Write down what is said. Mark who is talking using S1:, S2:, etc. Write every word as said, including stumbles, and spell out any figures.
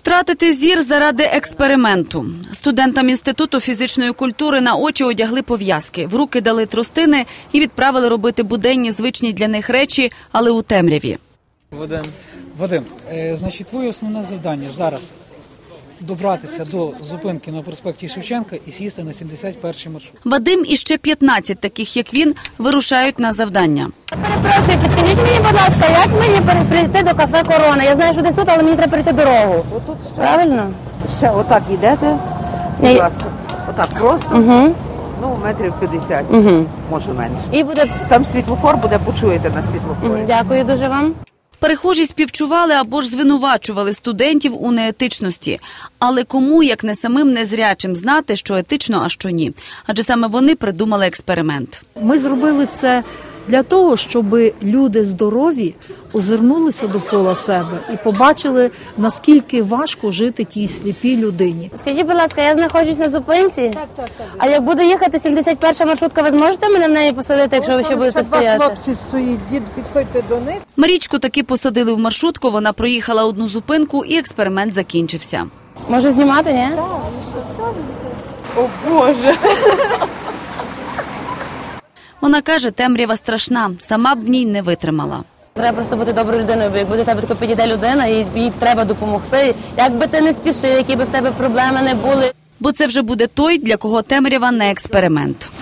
S1: Втратити зір заради експерименту. Студентам Інституту фізичної культури на очі одягли пов'язки, в руки дали тростини і відправили робити буденні звичні для них речі, але у темряві.
S2: Вадим, Вадим, е, значить, твоє основне завдання зараз добратися до зупинки на проспекті Шевченка і сісти на сімдесят перший маршрут.
S1: Вадим і ще п'ятнадцять таких, як він, вирушають на завдання.
S3: Перепрошую, підкажіть мені, будь ласка, як мені прийти до кафе «Корона»? Я знаю, що десь тут, але мені треба перейти дорогу.
S4: Отут ще,
S3: Правильно?
S4: ще отак йдете, будь ласка. Отак просто,
S3: Угу.
S4: ну, метрів п'ятдесят,
S3: Угу.
S4: може менше.
S3: І буде...
S4: Там світлофор буде, почуєте на світлофорі.
S3: Дякую дуже вам.
S1: Перехожі співчували або ж звинувачували студентів у неетичності. Але кому, як не самим незрячим, знати, що етично, а що ні? Адже саме вони придумали експеримент.
S5: Ми зробили це для того, щоб люди здорові озирнулися довкола себе і побачили, наскільки важко жити тій сліпій людині.
S3: Скажіть, будь ласка, я знаходжусь на зупинці? Так, так, так. А як буде їхати сімдесят перша маршрутка, ви зможете мене в неї посадити, якщо ви ще будете стояти?
S4: Хлопці стоїть, дід, підходьте до них.
S1: Марічку таки посадили в маршрутку, вона проїхала одну зупинку і експеримент закінчився.
S3: Може знімати, ні?
S4: О, Боже!
S1: Вона каже, темрява страшна, сама б в ній не витримала.
S3: Треба просто бути доброю людиною, бо як буде тебе тако підійде людина, і їй треба допомогти. Як би ти не спішив, які би в тебе проблеми не були.
S1: Бо це вже буде той, для кого темрява не експеримент.